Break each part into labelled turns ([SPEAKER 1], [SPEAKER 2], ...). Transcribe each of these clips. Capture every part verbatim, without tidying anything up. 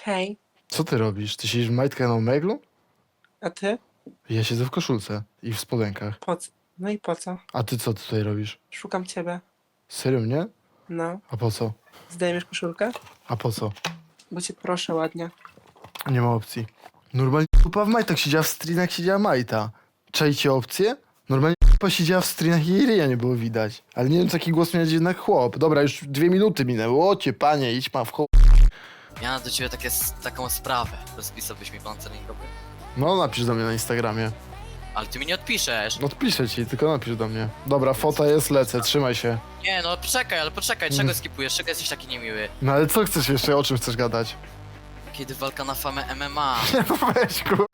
[SPEAKER 1] Hej,
[SPEAKER 2] Co ty robisz? Ty siedzisz w majtkach na omeglu?
[SPEAKER 1] a ty?
[SPEAKER 2] Ja siedzę w koszulce i w spodenkach.
[SPEAKER 1] Po co? No i po co?
[SPEAKER 2] A ty co tutaj robisz?
[SPEAKER 1] Szukam ciebie.
[SPEAKER 2] Serio mnie?
[SPEAKER 1] No,
[SPEAKER 2] A po co?
[SPEAKER 1] zdejmiesz koszulkę?
[SPEAKER 2] A po co?
[SPEAKER 1] Bo cię proszę ładnie.
[SPEAKER 2] Nie ma opcji. Normalnie kupa w majtach siedziała w strinach, siedziała majta. Czajcie opcję? Normalnie kupa siedziała w strinach i jej ryja nie było widać. Ale nie wiem, taki głos miał jednak chłop. Dobra, już dwie minuty minęły. Ocie, panie, idź ma w cho...
[SPEAKER 3] Ja mam do ciebie takie, taką sprawę. Rozpisałbyś mi plan celingowy?
[SPEAKER 2] No, napisz do mnie na Instagramie.
[SPEAKER 3] Ale ty mi nie odpiszesz.
[SPEAKER 2] No, odpiszę ci, tylko napisz do mnie. Dobra, fota jest, lecę, trzymaj się.
[SPEAKER 3] Nie no, czekaj, ale poczekaj, czego skipujesz? Czego jesteś taki niemiły?
[SPEAKER 2] No ale co chcesz jeszcze, o czym chcesz gadać?
[SPEAKER 3] Kiedy walka na famę M M A?
[SPEAKER 2] Nie, no weź ku...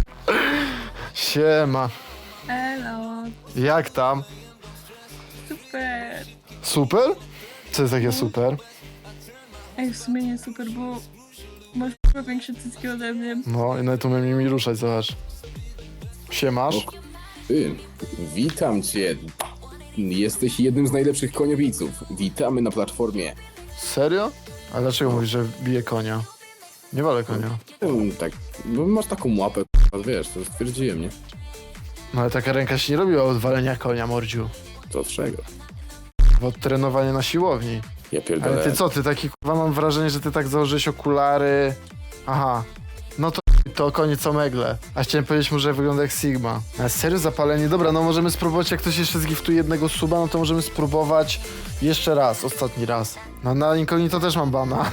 [SPEAKER 2] Siema.
[SPEAKER 4] Hello,
[SPEAKER 2] Jak tam?
[SPEAKER 4] super.
[SPEAKER 2] Super? Co jest takie super?
[SPEAKER 4] Ej, w sumie nie super, bo masz chyba większe cycki ode mnie.
[SPEAKER 2] No i nawet umiem nimi ruszać, zobacz. Siemasz?
[SPEAKER 5] Ty, witam cię. Jesteś jednym z najlepszych koniobiców. Witamy na platformie.
[SPEAKER 2] Serio? A dlaczego mówisz, że bije konia? Nie walę konia.
[SPEAKER 5] Hmm, tak, no masz taką łapę, wiesz, to stwierdziłem, nie?
[SPEAKER 2] No ale taka ręka się nie robiła od walenia konia, mordziu.
[SPEAKER 5] To od czego?
[SPEAKER 2] Od trenowania na siłowni.
[SPEAKER 5] Ja pierdolę.
[SPEAKER 2] Ale ty co, ty taki kurwa, mam wrażenie, że ty tak założyłeś okulary. Aha. No to to koniec omegle. A chciałem powiedzieć mu, że wygląda jak Sigma. A serio zapalenie? Dobra, no możemy spróbować, jak ktoś jeszcze zgiftuje jednego suba, no to możemy spróbować jeszcze raz, ostatni raz. No na incognito też mam bana.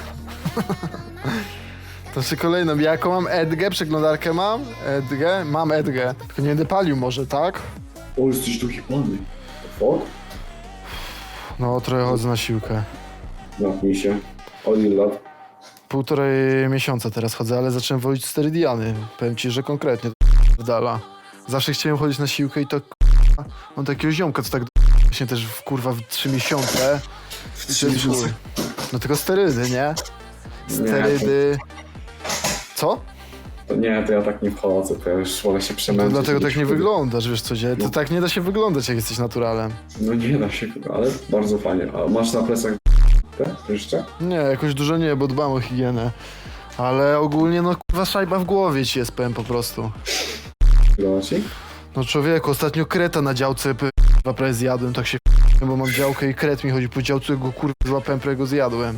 [SPEAKER 2] To jeszcze kolejną. Jaką mam Edgę? Przeglądarkę mam? Edgę? Mam Edgę. Tylko nie będę palił może, tak?
[SPEAKER 6] O, jesteś tu hipany. O,
[SPEAKER 2] No trochę chodzę na siłkę.
[SPEAKER 6] napnij się. Od ilu lat?
[SPEAKER 2] Półtorej miesiąca teraz chodzę, ale zacząłem wozić sterydiany. Powiem ci, że konkretnie to dala. Zawsze chciałem chodzić na siłkę i to k***a, mam takiego ziomka, co tak właśnie też w kurwa w trzy miesiące. I to jest chuj. No tylko sterydy, nie? Sterydy... Co?
[SPEAKER 6] To nie, to ja tak nie wchodzę, to ja już wolę się
[SPEAKER 2] To
[SPEAKER 6] przemęczyć.
[SPEAKER 2] dlatego tak
[SPEAKER 6] niż
[SPEAKER 2] nie
[SPEAKER 6] wtedy.
[SPEAKER 2] wyglądasz, wiesz co dzieje? To
[SPEAKER 6] No.
[SPEAKER 2] tak nie da się wyglądać, jak jesteś naturalem.
[SPEAKER 6] No nie da się, ale bardzo fajnie. A masz na plecach te jeszcze?
[SPEAKER 2] Nie, jakoś dużo nie, bo dbam o higienę. Ale ogólnie no kurwa szajba w głowie ci jest, powiem po prostu.
[SPEAKER 6] Podoba ci?
[SPEAKER 2] No człowieku, ostatnio kreta na działce p- chyba prawie zjadłem, tak się p- bo mam działkę i kret mi chodzi po działce, go kurwa złapałem, prawie go zjadłem.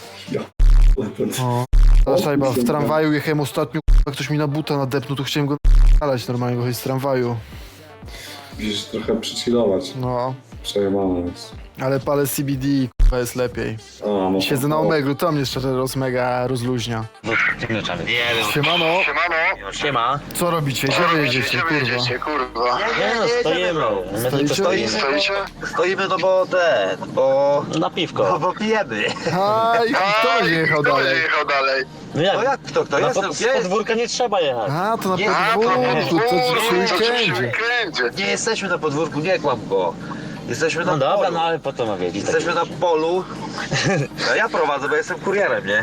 [SPEAKER 2] O, ta szajba, w tramwaju jechałem ostatnio, k***a, ktoś mi na buta nadepnął, to chciałem go nalać normalnie, go chodzi z tramwaju.
[SPEAKER 6] Musisz trochę przychillować.
[SPEAKER 2] No,
[SPEAKER 6] Przejebane jest.
[SPEAKER 2] ale palę C B D, k***a, jest lepiej.
[SPEAKER 6] A, no
[SPEAKER 2] Siedzę na omeglu, to mnie szczerze roz, mega rozluźnia. Siemano,
[SPEAKER 7] Siema.
[SPEAKER 2] co robicie? Gdzie wy jedziecie, kurwa?
[SPEAKER 7] Nie no, stoimy. My tylko
[SPEAKER 2] Stoicie?
[SPEAKER 7] stoimy. Stoimy no bo te, bo... Na piwko. No bo pijemy.
[SPEAKER 2] A, i kto będzie jechał dalej?
[SPEAKER 7] No jak? No jak kto, kto? Jest, pod, z podwórka nie trzeba jechać.
[SPEAKER 2] A, to na podwórku, to przy weekendzie.
[SPEAKER 7] Nie jesteśmy na podwórku, nie kłam go. Jesteśmy na no polu. Dobra, no ale po to ma wiedzieć. Jesteśmy na polu. No ja prowadzę, bo jestem kurierem, nie?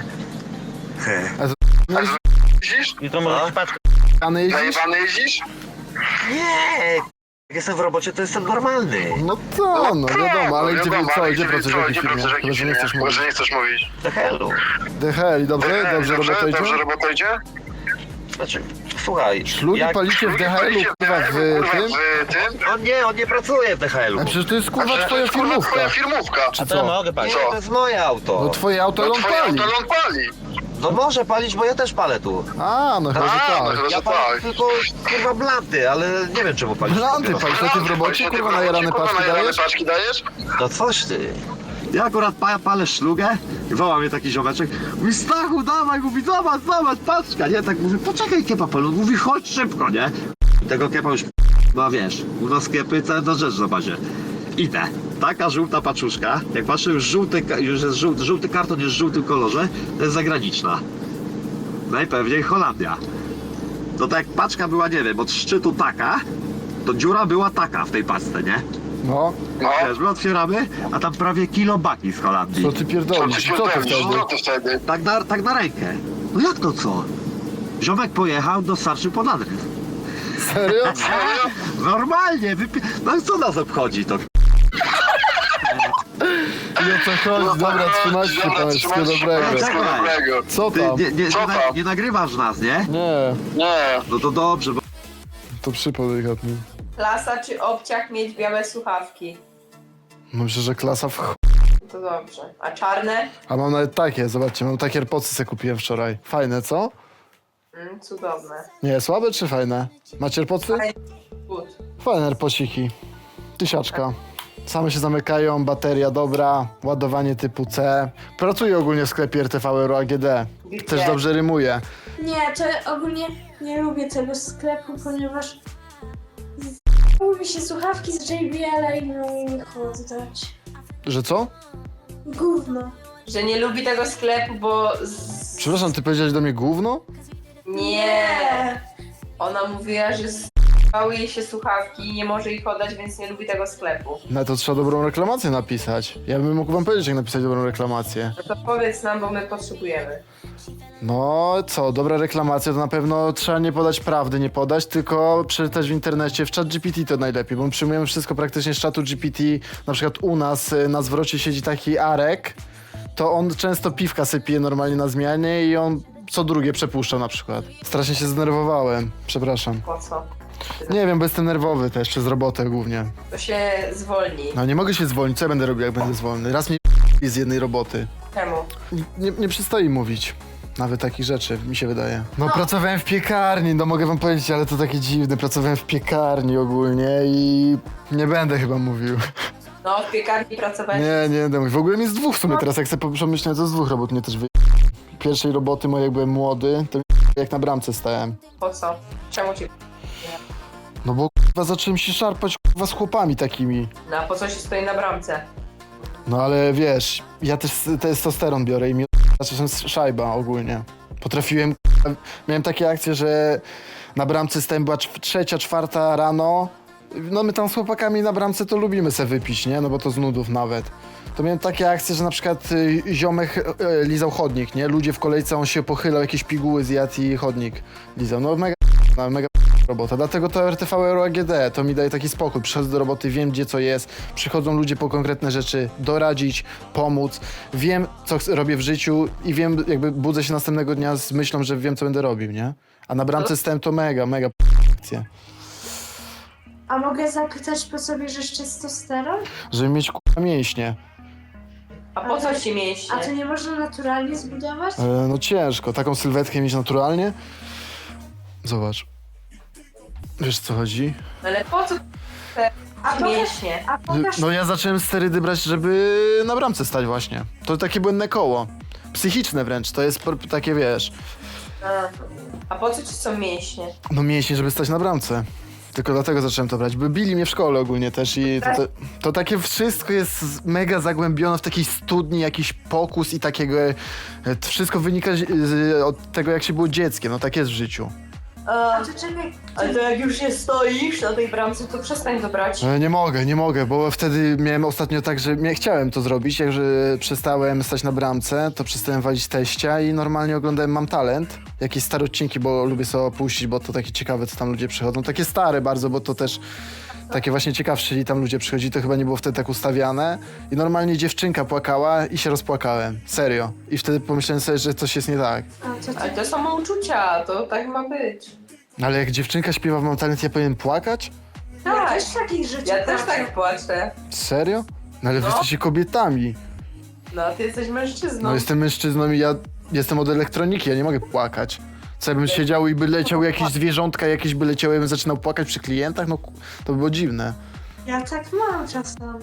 [SPEAKER 2] No
[SPEAKER 7] I to może patrz.
[SPEAKER 2] i jeździsz?
[SPEAKER 7] Nie! Jak jestem w robocie, to jestem normalny.
[SPEAKER 2] No to, no wiadomo, ale gdzie, co, gdzie pracujesz, w jakiej firmie? Chyba, że nie chcesz mówić.
[SPEAKER 7] Do helu.
[SPEAKER 2] The hell, dobrze? Dobrze robota idzie?
[SPEAKER 7] Znaczy, słuchaj.
[SPEAKER 2] Szlugi
[SPEAKER 7] jak-
[SPEAKER 2] palicie w D H L-u, kurwa, w tym?
[SPEAKER 7] On nie, on nie pracuje w D H L-u.
[SPEAKER 2] A przecież to jest kurwa twoja firmówka. Czy co?
[SPEAKER 7] mogę palić. Nie, to jest moje auto.
[SPEAKER 2] No twoje auto, ale on pali.
[SPEAKER 7] No może palić, bo ja też palę tu.
[SPEAKER 2] A, no chyba, że tak.
[SPEAKER 7] Ja palę tylko kurwa blanty, ale nie wiem czemu palić.
[SPEAKER 2] Blanty palisz, to ty w robocie, kurwa, najarane paczki dajesz?
[SPEAKER 7] No coś ty.
[SPEAKER 8] Ja akurat pa, palę szlugę i woła mnie taki ziomeczek. Mówi, Stachu, dawaj, mówi, zobacz, zobacz, paczka, nie? Tak mówi, poczekaj kiepa palu, mówi, chodź szybko, nie? Tego kiepa już, no wiesz, u nas kiepy, cała ta rzecz na bazie. Idę, taka żółta paczuszka, jak patrzę, już żółty, już jest żółty, żółty karton jest w żółtym kolorze, to jest zagraniczna. Najpewniej Holandia. To tak jak paczka była, nie wiem, od szczytu taka, to dziura była taka w tej paczce, nie?
[SPEAKER 2] No,
[SPEAKER 8] Wiesz, my otwieramy, a tam prawie kilo baki z Holandii.
[SPEAKER 2] co ty pierdolisz? Co ty wtedy?
[SPEAKER 8] Tak na, tak na rękę. No jak to co? Ziomek pojechał, dostarczył pod adres.
[SPEAKER 2] Serio?
[SPEAKER 8] Normalnie, wypi... No i co nas obchodzi to?
[SPEAKER 2] I o co chodzi? Dobra, trzymajcie się pan, wszystkiego dobrego.
[SPEAKER 8] Czekaj,
[SPEAKER 2] Co
[SPEAKER 8] ty
[SPEAKER 2] tam?
[SPEAKER 8] nie, nie, nie, na, nie nagrywasz nas, nie?
[SPEAKER 2] Nie,
[SPEAKER 8] No to dobrze, bo
[SPEAKER 2] to przypał delikatnie.
[SPEAKER 9] Klasa czy obciach mieć białe słuchawki?
[SPEAKER 2] Myślę, że klasa w ch...
[SPEAKER 9] To dobrze. A czarne?
[SPEAKER 2] A mam nawet takie, zobaczcie, mam takie AirPodsy sobie kupiłem wczoraj. Fajne, co?
[SPEAKER 9] Mm, cudowne.
[SPEAKER 2] Nie, słabe czy fajne? Macie AirPodsy?
[SPEAKER 9] Good.
[SPEAKER 2] Fajne AirPodsiki. Tysiaczka. Same się zamykają, bateria dobra, ładowanie typu C. Pracuję ogólnie w sklepie R T V Euro A G D. Też dobrze rymuje.
[SPEAKER 10] Nie, to ogólnie nie lubię tego sklepu, ponieważ mówi się słuchawki z J B L-a i no i nie chcę dać.
[SPEAKER 2] Że co?
[SPEAKER 10] Gówno.
[SPEAKER 9] Że nie lubi tego sklepu, bo... Z...
[SPEAKER 2] Przepraszam, ty powiedziałeś do mnie gówno?
[SPEAKER 9] Nie! Ona mówiła, że spały jej się słuchawki i nie może ich oddać, więc nie lubi tego sklepu.
[SPEAKER 2] No to trzeba dobrą reklamację napisać. Ja bym mógł wam powiedzieć, jak napisać dobrą reklamację.
[SPEAKER 9] No to powiedz nam, bo my potrzebujemy.
[SPEAKER 2] No co, dobra reklamacja to na pewno trzeba nie podać prawdy, nie podać, tylko przeczytać w internecie, w chat G P T to najlepiej, bo my przyjmujemy wszystko praktycznie z czatu G P T. Na przykład u nas y, na zwrocie siedzi taki Arek, to on często piwka sobie pije normalnie na zmianie i on co drugie przepuszcza na przykład. Strasznie się zdenerwowałem, przepraszam.
[SPEAKER 9] Po co?
[SPEAKER 2] Nie wiem, bo jestem nerwowy też, przez robotę głównie.
[SPEAKER 9] To się zwolni.
[SPEAKER 2] No nie mogę się zwolnić, co ja będę robił, jak będę zwolny? Raz mnie z jednej roboty.
[SPEAKER 9] Czemu?
[SPEAKER 2] Nie, nie przystoi mówić. Nawet takich rzeczy, mi się wydaje. No, pracowałem w piekarni, no mogę wam powiedzieć, ale to takie dziwne. Pracowałem w piekarni ogólnie i nie będę chyba mówił.
[SPEAKER 9] No, w piekarni pracowałeś.
[SPEAKER 2] Nie, nie będę mówił. W ogóle mi z dwóch w sumie teraz, jak sobie pomyślę, to z dwóch robót mnie też wy... Pierwszej roboty mojej, jak byłem młody, to jak na bramce stałem.
[SPEAKER 9] Po co? Czemu ci...
[SPEAKER 2] No bo k***a zacząłem się szarpać k***a z chłopami takimi.
[SPEAKER 9] No, a po co się stoi na bramce?
[SPEAKER 2] No ale wiesz, ja też testosteron biorę i mi zacząłem szajba ogólnie. Potrafiłem, miałem takie akcje, że na bramce stałem, była cz- trzecia, czwarta rano. No my tam z chłopakami na bramce to lubimy se wypić, nie? No bo to z nudów nawet. To miałem takie akcje, że na przykład y, ziomek y, lizał chodnik, nie? Ludzie w kolejce, on się pochylał, jakieś piguły zjadł i chodnik lizał. No mega, no, mega robota. Dlatego to R T V Euro A G D, to mi daje taki spokój. Przychodzę do roboty, wiem gdzie co jest, przychodzą ludzie po konkretne rzeczy, doradzić, pomóc. Wiem co ch- robię w życiu i wiem, jakby budzę się następnego dnia z myślą, że wiem co będę robił, nie? A na bramce stałem to mega, mega akcja.
[SPEAKER 10] A mogę zapytać, po co bierzesz testosteron?
[SPEAKER 2] Żeby mieć k***a mięśnie.
[SPEAKER 9] A po co ci mięśnie?
[SPEAKER 10] A to nie można naturalnie zbudować?
[SPEAKER 2] E, no ciężko, taką sylwetkę mieć naturalnie. Zobacz. Wiesz co chodzi?
[SPEAKER 9] Ale po co te
[SPEAKER 10] A pokaż,
[SPEAKER 9] mięśnie?
[SPEAKER 10] a pokaż
[SPEAKER 2] No ja zacząłem sterydy brać, żeby na bramce stać właśnie. To takie błędne koło. Psychiczne wręcz, to jest por- takie wiesz.
[SPEAKER 9] A, a po co ci są mięśnie?
[SPEAKER 2] No mięśnie, żeby stać na bramce. Tylko dlatego zacząłem to brać, bo bili mnie w szkole ogólnie też i to, to, to takie wszystko jest mega zagłębione w takiej studni, jakiś pokus i takiego, e, to wszystko wynika z, z, od tego jak się było dzieckiem, no tak jest w życiu.
[SPEAKER 10] A to czekaj,
[SPEAKER 9] Ale to jak już nie stoisz na tej bramce, to przestań to brać.
[SPEAKER 2] E, Nie mogę, nie mogę, bo wtedy miałem ostatnio tak, że nie chciałem to zrobić, jak że przestałem stać na bramce, to przestałem walić teścia i normalnie oglądałem Mam Talent, jakieś stare odcinki, bo lubię sobie opuścić, bo to takie ciekawe, co tam ludzie przychodzą, takie stare bardzo, bo to też takie właśnie ciekawsze, i tam ludzie przychodzi, to chyba nie było wtedy tak ustawiane i normalnie dziewczynka płakała i się rozpłakałem, serio. I wtedy pomyślałem sobie, że coś jest nie tak.
[SPEAKER 10] a to
[SPEAKER 9] Ale to są uczucia, to tak ma być.
[SPEAKER 2] Ale jak dziewczynka śpiewa w Mam Talent, ja powinien płakać?
[SPEAKER 10] ja
[SPEAKER 9] Tak.
[SPEAKER 10] też takich rzeczy
[SPEAKER 9] Ja też
[SPEAKER 10] płaczę.
[SPEAKER 9] tak płaczę.
[SPEAKER 2] Serio? No ale wy
[SPEAKER 9] No.
[SPEAKER 2] jesteście kobietami.
[SPEAKER 9] No, a ty jesteś mężczyzną.
[SPEAKER 2] No jestem mężczyzną i ja jestem od elektroniki, ja nie mogę płakać. Co ja bym siedział i by leciały jakieś zwierzątka, jakieś by leciały, ja bym zaczynał płakać przy klientach? No ku- to by było dziwne.
[SPEAKER 10] Ja tak mam czasami.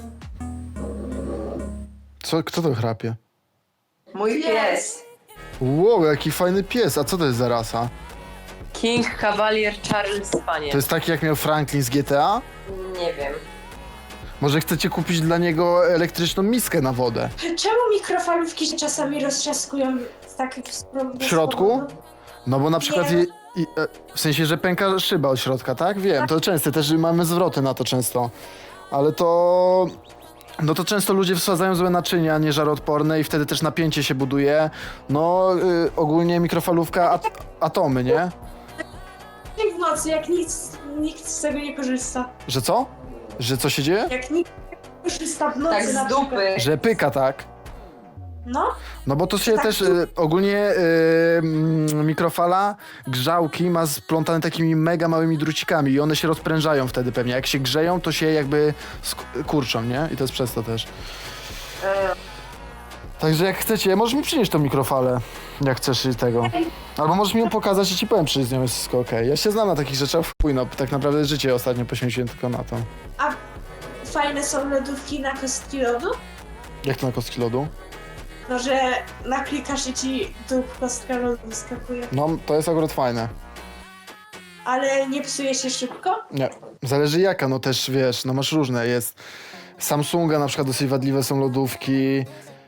[SPEAKER 2] Co, kto to chrapie?
[SPEAKER 9] Mój pies.
[SPEAKER 2] Wow, jaki fajny pies, a co to jest za rasa?
[SPEAKER 9] King Cavalier Charles Spaniel.
[SPEAKER 2] To jest taki jak miał Franklin z G T A?
[SPEAKER 9] Nie wiem.
[SPEAKER 2] Może chcecie kupić dla niego elektryczną miskę na wodę?
[SPEAKER 10] Czemu mikrofalówki się czasami roztrzaskują z takich spro-
[SPEAKER 2] W środku? No bo na przykład
[SPEAKER 10] Nie.
[SPEAKER 2] je, i, e, w sensie, że pęka szyba od środka, tak? Wiem, to częste, też mamy zwroty na to często. Ale to... No to często ludzie wsadzają złe naczynia nieżaroodporne i wtedy też napięcie się buduje. No y, ogólnie mikrofalówka, at, atomy, nie?
[SPEAKER 10] w nocy, jak nikt, nikt z tego nie korzysta.
[SPEAKER 2] Że co? Że co się dzieje?
[SPEAKER 10] Jak nikt, puszysta w nocy
[SPEAKER 9] Tak
[SPEAKER 10] na
[SPEAKER 9] z
[SPEAKER 10] przykład.
[SPEAKER 9] dupy.
[SPEAKER 2] Że pyka, tak?
[SPEAKER 10] No,
[SPEAKER 2] No bo to się
[SPEAKER 10] Tak,
[SPEAKER 2] też
[SPEAKER 10] tu-
[SPEAKER 2] y, ogólnie y, mm, mikrofala grzałki ma splątane takimi mega małymi drucikami i one się rozprężają wtedy pewnie. Jak się grzeją, to się jakby sk- kurczą, nie? I to jest przez to też.
[SPEAKER 9] E,
[SPEAKER 2] Także jak chcecie, możesz mi przynieść tą mikrofalę, jak chcesz i tego. Albo możesz mi ją pokazać i ci powiem, czy z nią jest wszystko okej. Ja się znam na takich rzeczach, chuj, no tak naprawdę życie ostatnio poświęciłem tylko na to.
[SPEAKER 10] fajne są lodówki na kostki lodu.
[SPEAKER 2] Jak to na kostki lodu?
[SPEAKER 10] No, że naklikasz i ci tu kostka lodu wyskakuje.
[SPEAKER 2] No, to jest akurat fajne.
[SPEAKER 10] Ale nie psuje się szybko?
[SPEAKER 2] Nie, zależy jaka, no też wiesz, no masz różne, jest Samsunga na przykład dosyć wadliwe są lodówki,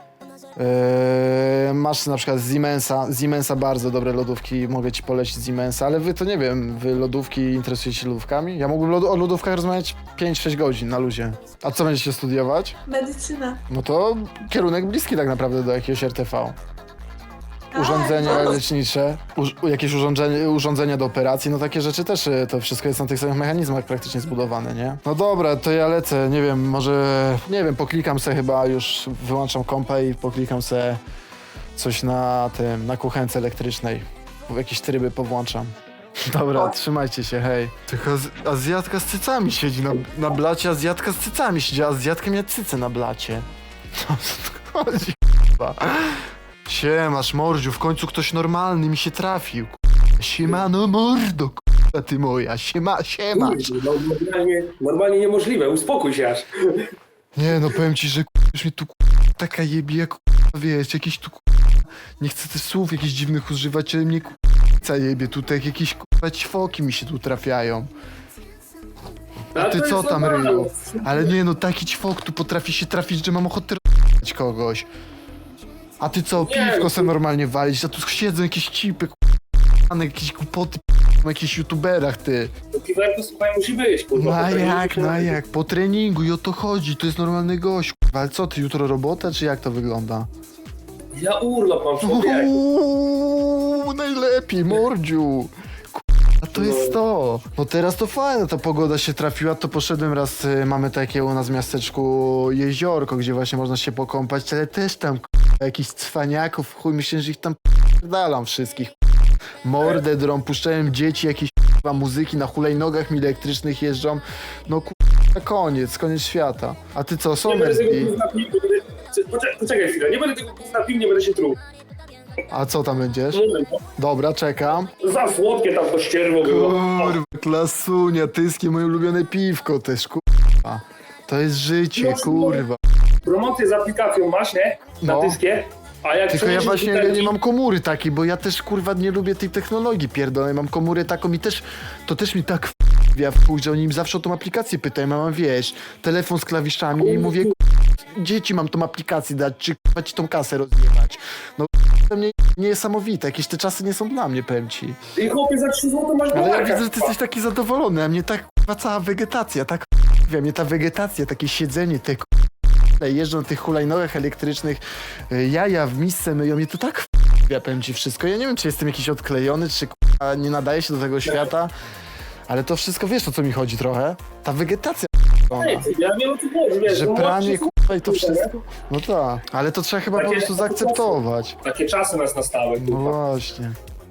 [SPEAKER 2] yy, masz na przykład Siemensa, Siemensa bardzo dobre lodówki, mogę ci polecić Siemensa, ale wy to nie wiem, wy lodówki interesujecie się lodówkami? Ja mógłbym lod- o lodówkach rozmawiać pięć sześć godzin na luzie. A co będziecie studiować?
[SPEAKER 10] Medycyna.
[SPEAKER 2] No to kierunek bliski tak naprawdę do jakiegoś R T V. Urządzenia
[SPEAKER 10] A,
[SPEAKER 2] lecznicze, uż, jakieś urządzenie, urządzenia do operacji, no takie rzeczy też, y, to wszystko jest na tych samych mechanizmach praktycznie zbudowane, nie? No dobra, to ja lecę, nie wiem, może, nie wiem, poklikam se chyba, już wyłączam kompa i poklikam se coś na tym, na kuchence elektrycznej. Jakieś tryby powłączam. Dobra, trzymajcie się, hej. Tylko az- Azjatka z cycami siedzi na, na blacie, Azjatka z cycami siedzi, a Azjatka miała cyce na blacie. O co tu chodzi, k***a? Siemasz, mordziu, w końcu ktoś normalny mi się trafił. k***a. Siemano mordo, k***a ty moja, siema, siemasz.
[SPEAKER 11] No, normalnie, normalnie niemożliwe, uspokój się aż.
[SPEAKER 2] Nie no, powiem ci, że k***a, już mnie tu k***a, taka jebie, jak k***a, wiesz, jakieś tu k***a, nie chcę też słów jakichś dziwnych używać, ale mnie k***a jebie, tutaj jakieś k***a ćwoki mi się tu trafiają. A
[SPEAKER 11] Ale
[SPEAKER 2] ty
[SPEAKER 11] to
[SPEAKER 2] co
[SPEAKER 11] jest
[SPEAKER 2] tam,
[SPEAKER 11] normalne.
[SPEAKER 2] ryju? Ale nie no, taki ćwok tu potrafi się trafić, że mam ochotę r***ać kogoś. A ty co,
[SPEAKER 11] Nie,
[SPEAKER 2] piwko
[SPEAKER 11] no
[SPEAKER 2] se
[SPEAKER 11] to-
[SPEAKER 2] normalnie walić, a tu siedzą jakieś cipy, k***a, jakieś głupoty, k***a, na jakichś youtuberach, ty.
[SPEAKER 11] To piwerko, słuchaj, musi być, kurwa.
[SPEAKER 2] No a
[SPEAKER 11] po treningu
[SPEAKER 2] jak,
[SPEAKER 11] się-
[SPEAKER 2] no a jak, po treningu i o to chodzi, to jest normalny gość, k***a. Ale co, ty jutro robota, czy jak to wygląda?
[SPEAKER 11] Ja urlop mam, człowieku.
[SPEAKER 2] Uuu, najlepiej, mordziu. A to jest to. No teraz to fajne, ta pogoda się trafiła, to poszedłem raz, y, mamy takie u nas w miasteczku jeziorko, gdzie właśnie można się pokąpać, ale też tam k***a, jakichś cwaniaków, chuj, myślę, że ich tam dalam wszystkich. Mordę drą, puszczałem dzieci, jakieś k***a, muzyki na hulajnogach mi elektrycznych jeżdżą. No k***a, koniec, koniec świata. A ty co,
[SPEAKER 11] Nie będę
[SPEAKER 2] Somersby?
[SPEAKER 11] tego gówna pił, nie będę... Poczekaj, poczekaj chwilę, nie będę tego gówna pił, nie będę się truł.
[SPEAKER 2] A co tam będziesz?
[SPEAKER 11] Nie będę.
[SPEAKER 2] Dobra, czekam.
[SPEAKER 11] Za słodkie tam to ścierwo było.
[SPEAKER 2] Kurwa, klasunia, tyskie, moje ulubione piwko też, kurwa. To jest życie, kurwa.
[SPEAKER 11] Promocję z aplikacją masz, nie? Na
[SPEAKER 2] No.
[SPEAKER 11] tyskie. A jak
[SPEAKER 2] Tylko ja
[SPEAKER 11] przejdziesz
[SPEAKER 2] właśnie
[SPEAKER 11] do
[SPEAKER 2] ja nie
[SPEAKER 11] butelki-
[SPEAKER 2] mam komury takiej, bo ja też, kurwa, nie lubię tej technologii pierdolonej. Mam komórę taką i też, to też mi tak wpija w chuj, że oni im zawsze o tą aplikację pytają. Ja mam, wiesz, telefon z klawiszami i mówię, kurwa, dzieci mam tą aplikację dać, czy kurwa ci tą kasę rozjebać. No to mnie niesamowite, jakieś te czasy nie są dla mnie, powiem ci.
[SPEAKER 11] I chłopie za trzy złote masz
[SPEAKER 2] Ale ja
[SPEAKER 11] balerkę.
[SPEAKER 2] widzę, że ty jesteś taki zadowolony, a mnie tak kurwa cała wegetacja, tak wiem, mnie ta wegetacja, takie siedzenie, te kurwa, jeżdżą na tych hulajnogach elektrycznych, y, jaja w misce myją, mnie to tak ja powiem ci wszystko. Ja nie wiem, czy jestem jakiś odklejony, czy kurwa, nie nadaje się do tego świata, ale to wszystko, wiesz o co mi chodzi trochę? Ta wegetacja ona,
[SPEAKER 11] Ej, ja nie wiem o co chodzi, wiesz.
[SPEAKER 2] że
[SPEAKER 11] no,
[SPEAKER 2] pranie
[SPEAKER 11] młodszy-
[SPEAKER 2] kurwa i to wszystko. No tak, ale to trzeba chyba po
[SPEAKER 11] Takie-
[SPEAKER 2] prostu zaakceptować.
[SPEAKER 11] Takie czasy nas nastały,
[SPEAKER 2] No
[SPEAKER 11] kurwa.
[SPEAKER 2] właśnie.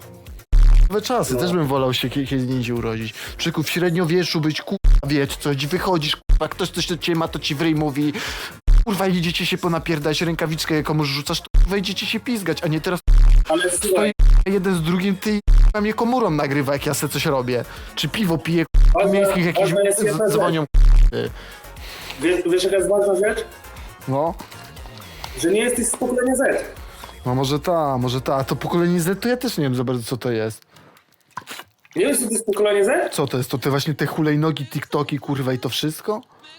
[SPEAKER 2] Nowe czasy,
[SPEAKER 11] No.
[SPEAKER 2] też bym wolał się kie- kiedy indziej urodzić. Przyku w średniowieczu być, kurwa, wiesz coś, wychodzisz, kurwa, ktoś coś do ciebie ma, to ci w ryj mówi, kurwa, idziecie się ponapierdać, rękawiczkę komuś rzucasz, to kurwa, idziecie się pizgać, a nie teraz
[SPEAKER 11] Ale
[SPEAKER 2] stoi
[SPEAKER 11] słuchaj,
[SPEAKER 2] jeden z drugim, ty kurwa, mnie komórą nagrywa, jak ja se coś robię. Czy piwo piję, kurwa,
[SPEAKER 11] ważna,
[SPEAKER 2] miejskich jakiś
[SPEAKER 11] ważna jest jedna
[SPEAKER 2] z-
[SPEAKER 11] rzecz.
[SPEAKER 2] dzwonią,
[SPEAKER 11] Wiesz, wiesz jaka jest ważna rzecz?
[SPEAKER 2] no.
[SPEAKER 11] Że nie jesteś z pokolenia Z.
[SPEAKER 2] No może ta, może ta, a to pokolenie Z, to ja też nie wiem za bardzo co to jest.
[SPEAKER 11] Nie wiesz, co to jest pokolenie Z?
[SPEAKER 2] Co to jest, to te właśnie te hulajnogi, TikToki, kurwa i to wszystko?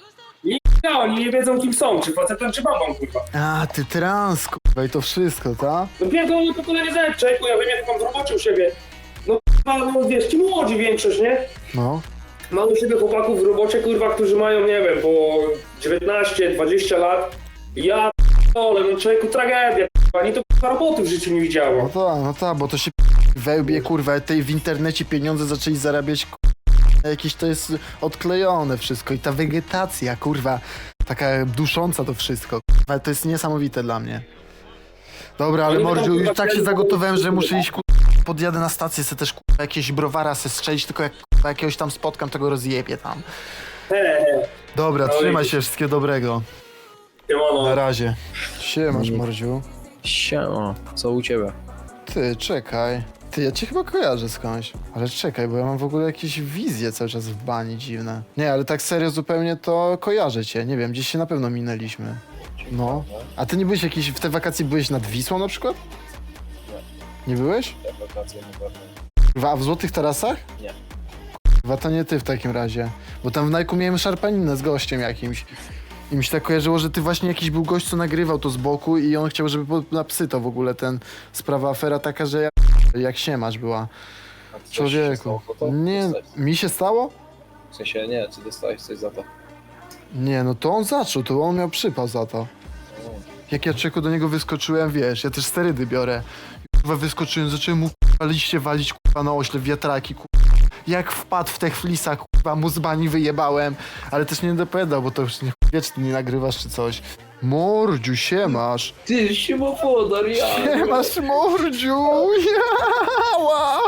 [SPEAKER 11] Nie, oni nie wiedzą kim są, czy facetem, czy babą, kurwa.
[SPEAKER 2] A, ty trans, kurwa i to wszystko, ta?
[SPEAKER 11] No pierdolę pokolenie Z, człowieku, ja wiem jak mam w robocie u siebie. No kurwa, no wiesz, ci młodzi większość, nie?
[SPEAKER 2] No.
[SPEAKER 11] Mam u siebie chłopaków w robocie, kurwa, którzy mają, nie wiem, po dziewiętnaście dwadzieścia lat. Ja ale no człowieku, tragedia, kurwa, ani to kurwa roboty w życiu nie
[SPEAKER 2] No
[SPEAKER 11] widziało.
[SPEAKER 2] tak, no tak, bo to się wełbie, kurwa, tej w internecie pieniądze zaczęli zarabiać, kurwa, jakieś to jest odklejone wszystko i ta wegetacja, kurwa, Taka dusząca to wszystko. Ale to jest niesamowite dla mnie. Dobra, ale
[SPEAKER 11] Oni
[SPEAKER 2] Mordziu,
[SPEAKER 11] będą,
[SPEAKER 2] już
[SPEAKER 11] kurwa,
[SPEAKER 2] tak się
[SPEAKER 11] chcieli
[SPEAKER 2] zagotowałem, że
[SPEAKER 11] zobaczyć,
[SPEAKER 2] muszę
[SPEAKER 11] kurwa.
[SPEAKER 2] iść, kurwa, podjadę na stację, se też, kurwa, jakieś browara se strzelić, tylko jak, kurwa, jakiegoś tam spotkam, to go rozjebię tam.
[SPEAKER 11] He, he.
[SPEAKER 2] Dobra,
[SPEAKER 11] No
[SPEAKER 2] trzymaj
[SPEAKER 11] i-
[SPEAKER 2] się, wszystkiego dobrego.
[SPEAKER 11] Siemano.
[SPEAKER 2] Na razie. Siemasz, Mordziu.
[SPEAKER 12] Siema, co u ciebie?
[SPEAKER 2] Ty, czekaj. Ty, ja cię chyba kojarzę skądś. Ale czekaj, bo ja mam w ogóle jakieś wizje cały czas w bani dziwne. Nie, ale tak serio zupełnie to kojarzę cię. Nie wiem, gdzieś się na pewno minęliśmy. No. A ty nie byłeś jakiś, w te wakacje byłeś nad Wisłą na przykład? Nie. Nie byłeś?
[SPEAKER 12] Wakacje na pewno.
[SPEAKER 2] Kurwa, a w Złotych Tarasach?
[SPEAKER 12] Nie.
[SPEAKER 2] Kurwa, to nie ty w takim razie. Bo tam w Najku miałem szarpaninę z gościem jakimś. I mi się tak kojarzyło, że ty właśnie jakiś był gość, co nagrywał to z boku i on chciał, żeby po- na psy to w ogóle ten sprawa, afera taka, że ja, jak się masz była.
[SPEAKER 12] A coś się
[SPEAKER 2] Człowieku.
[SPEAKER 12] stało po to?
[SPEAKER 2] Nie,
[SPEAKER 12] Dostałeś-
[SPEAKER 2] mi się stało?
[SPEAKER 12] W sensie nie, czy dostałeś coś za to?
[SPEAKER 2] Nie, no to on zaczął, to on miał przypał za to.
[SPEAKER 12] O,
[SPEAKER 2] Jak ja czeku do niego wyskoczyłem, wiesz, ja też sterydy biorę. Kurwa wyskoczyłem, zacząłem mu kurwa liście walić kurwa na oślep, wiatraki kurwa. Jak wpadł w te flisach, kurwa mu z bani wyjebałem, ale też nie dopowiadał, bo to już nie wieczny nie nagrywasz czy coś. Mordziu, siemasz.
[SPEAKER 12] ty, siemofodor, ja!
[SPEAKER 2] Siemasz, Mordziu, jała.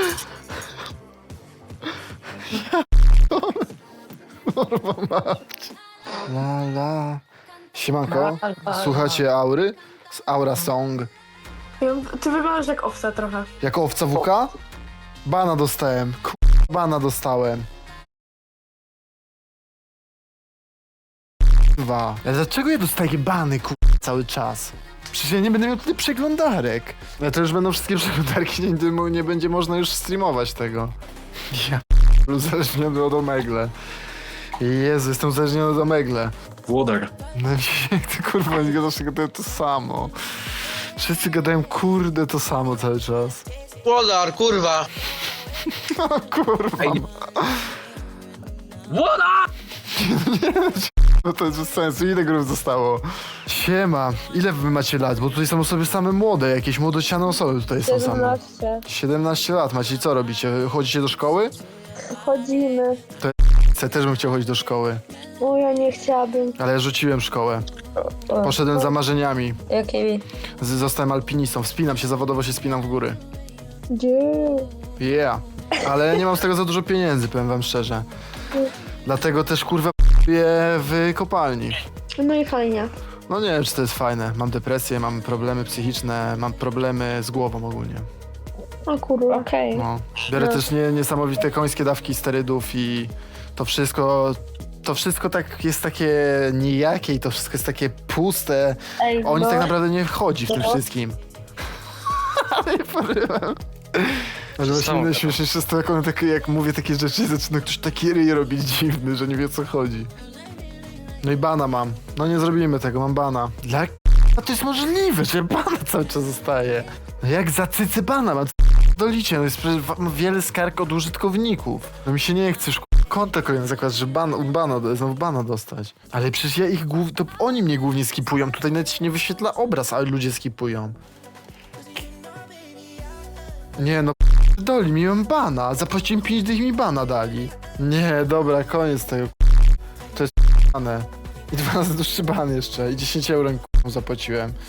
[SPEAKER 2] Ja Kurwa mać. La la. Siemanko, słuchacie Aury? Z Aura Song.
[SPEAKER 10] Ty wyglądasz jak owca trochę.
[SPEAKER 2] Jako owca W K? Bana dostałem. K***, bana dostałem. Dwa. Ale dlaczego ja dostaję bany, k***, cały czas? Przecież ja nie będę miał tutaj przeglądarek. Ale to już będą wszystkie przeglądarki, nie, nie będzie można już streamować tego. Ja p- uzależniony od Omegle. Jezu, jestem uzależniony od Omegle.
[SPEAKER 6] Włodar.
[SPEAKER 2] No mi się nie chce, kurwa, oni zawsze gadają to samo. Wszyscy gadają kurde to samo cały czas.
[SPEAKER 7] Włodar, kurwa!
[SPEAKER 2] O kurwa.
[SPEAKER 7] Ej,
[SPEAKER 2] No to jest bez sensu, ile grup zostało? Siema, ile wy macie lat? Bo tutaj są osoby same młode, jakieś młodociane osoby tutaj są same.
[SPEAKER 10] siedemnaście.
[SPEAKER 2] siedemnaście lat macie i co robicie? Chodzicie do szkoły?
[SPEAKER 10] Chodzimy.
[SPEAKER 2] Ja też bym chciał chodzić do szkoły,
[SPEAKER 10] O, ja nie chciałabym.
[SPEAKER 2] ale ja rzuciłem szkołę. Poszedłem za marzeniami.
[SPEAKER 10] Jakimi?
[SPEAKER 2] Z- Zostałem alpinistą, wspinam się, zawodowo się spinam w góry.
[SPEAKER 10] Gdzie?
[SPEAKER 2] Yeah. Ale nie mam z tego za dużo pieniędzy, powiem wam szczerze. Dlatego też kurwa je w kopalni.
[SPEAKER 10] No i fajnie.
[SPEAKER 2] No nie wiem, czy to jest fajne. Mam depresję, mam problemy psychiczne, mam problemy z głową ogólnie.
[SPEAKER 10] O kurwa. Okej.
[SPEAKER 2] No. Biorę
[SPEAKER 10] No.
[SPEAKER 2] też nie, niesamowite końskie dawki sterydów i to wszystko, to wszystko tak jest takie nijakie i to wszystko jest takie puste.
[SPEAKER 10] Ej,
[SPEAKER 2] O nic
[SPEAKER 10] no.
[SPEAKER 2] tak naprawdę nie wchodzi w tym
[SPEAKER 10] No.
[SPEAKER 2] wszystkim. Ale nie porywam. Może właśnie najśmieszniejsze jest to, jak, one takie, jak mówię takie rzeczy, zaczyna ktoś taki ryj robić dziwny, że nie wie o co chodzi. No i bana mam. No nie zrobimy tego, mam bana. Dla k***a to jest możliwe, że bana cały czas zostaje. No jak za cycy bana mam? Dolicie, no jest przecież wa- wiele skarg od użytkowników. No mi się nie chce już k***a, konta kolejne zakładać, że ban, bana, znowu bana dostać. Ale przecież ja ich głów... to oni mnie głównie skipują. Tutaj nawet się nie wyświetla obraz, ale ludzie skipują. Nie no, doli mi mam bana. Zapłaciłem pięć dych i mi bana dali. Nie, dobra, koniec tego. To jest bane. I dwa razy dłuższy ban jeszcze. I dziesięć euro mi zapłaciłem.